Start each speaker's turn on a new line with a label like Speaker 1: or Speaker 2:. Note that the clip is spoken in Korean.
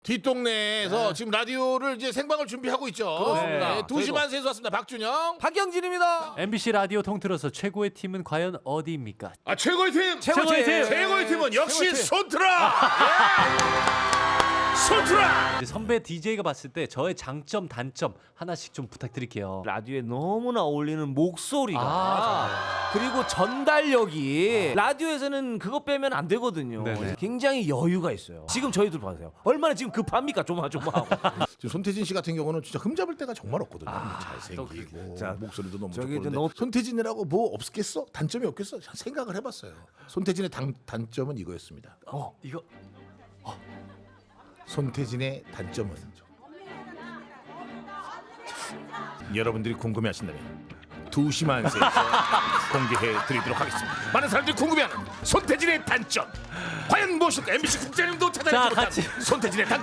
Speaker 1: 뒷동네에서 지금 라디오를 이제 생방을 준비하고 있죠.
Speaker 2: 그렇습니다.
Speaker 1: 네, 2시 반 세에서 왔습니다. 박준영.
Speaker 2: 박경진입니다.
Speaker 3: MBC 라디오 통틀어서 최고의 팀은 과연 어디입니까?
Speaker 1: 아, 최고의 팀.
Speaker 3: 최고의 팀.
Speaker 1: 최고의 팀은 역시
Speaker 2: 최고의 팀.
Speaker 1: 손트라. 예. 손트라.
Speaker 3: 선배 DJ가 봤을 때 저의 장점 단점 하나씩 좀 부탁드릴게요.
Speaker 2: 라디오에 너무나 어울리는 목소리가
Speaker 3: 아,
Speaker 2: 그리고 전달력이 라디오에서는 그거 빼면 안 되거든요.
Speaker 3: 네네.
Speaker 2: 굉장히 여유가 있어요. 지금 저희들 봐세요. 얼마나 지금 급합니까? 조마조마하고.
Speaker 1: 지금 손태진 씨 같은 경우는 진짜 흠잡을 때가 정말 없거든요.
Speaker 2: 아,
Speaker 1: 잘생기고
Speaker 2: 자,
Speaker 1: 목소리도 너무
Speaker 2: 저기
Speaker 1: 좋고.
Speaker 2: 이제
Speaker 1: 그런데 손태진이라고 뭐 없겠어? 단점이 없겠어? 생각을 해봤어요. 손태진의 단점은 이거였습니다.
Speaker 3: 이거
Speaker 1: 손태진의 단점은 여러분들이 궁금해하신다면 2시만 세에서 공개해 드리도록 하겠습니다. 많은 사람들이 궁금해하는 손태진의 단점 과연 무엇일까? MBC 국장님도 찾아내지
Speaker 3: 자,
Speaker 1: 못한
Speaker 3: 같이.
Speaker 1: 손태진의 단점.